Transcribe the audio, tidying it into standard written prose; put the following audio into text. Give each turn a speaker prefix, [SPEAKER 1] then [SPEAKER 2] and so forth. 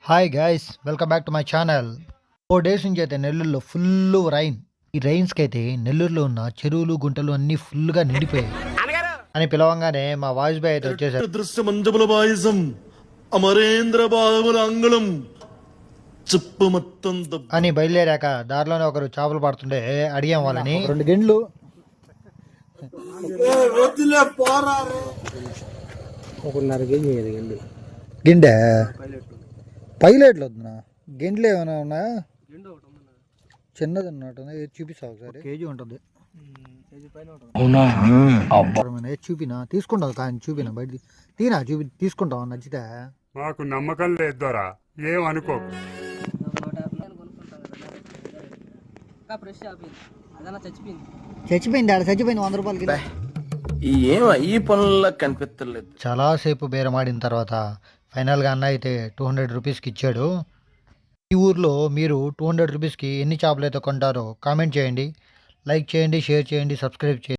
[SPEAKER 1] Hi guys, welcome back to my channel. 4 days నుంచి అయితే నెల్లూరులో ఫుల్ రైన్. ఈ రైన్స్కి అయితే నెల్లూరులో ఉన్న చెరువులు గుంటలు అన్నీ ఫుల్గా నిండిపోయాయి అని పిలవంగానే మా వాయిస్ బాయ్ అయితే వచ్చేసారు.
[SPEAKER 2] దృశ్యమంజబుల పాయసం అమరేంద్ర బాబుల అంగుళం చెప్పు మొత్తం
[SPEAKER 1] అని బయలుదేరాక దారిలోనే ఒకరు చేపలు పడుతుంటే అడిగాం వాళ్ళని. 2 గిండ్లు గిండె పైలెట్లు వద్దునా, గిండ్లు ఏమైనా ఉన్నాయా? చిన్నది ఉన్నట్టుంది, చూపిస్తా ఒకసారి. కేజీ ఉంటుంది, చూపినా తీసుకుంటావు కానీ చూపినా బయట తీనా తీసుకుంటావు నచ్చితే.
[SPEAKER 3] మాకు నమ్మకం లేదు దొరా, ఏం అనుకోకు.
[SPEAKER 1] చచ్చిపోయింది 100 రూపాయలకి.
[SPEAKER 2] ఈ పనుల్లో కనిపించలేదు.
[SPEAKER 1] చాలాసేపు బేరమాడిన తర్వాత ఫైనల్గా అన్న అయితే 200 రూపీస్కి ఇచ్చాడు. ఈ ఊర్లో మీరు 200 రూపీస్కి ఎన్ని చేపలు అయితే కొంటారో కామెంట్ చేయండి, లైక్ చేయండి, షేర్ చేయండి, సబ్స్క్రైబ్ చేయండి.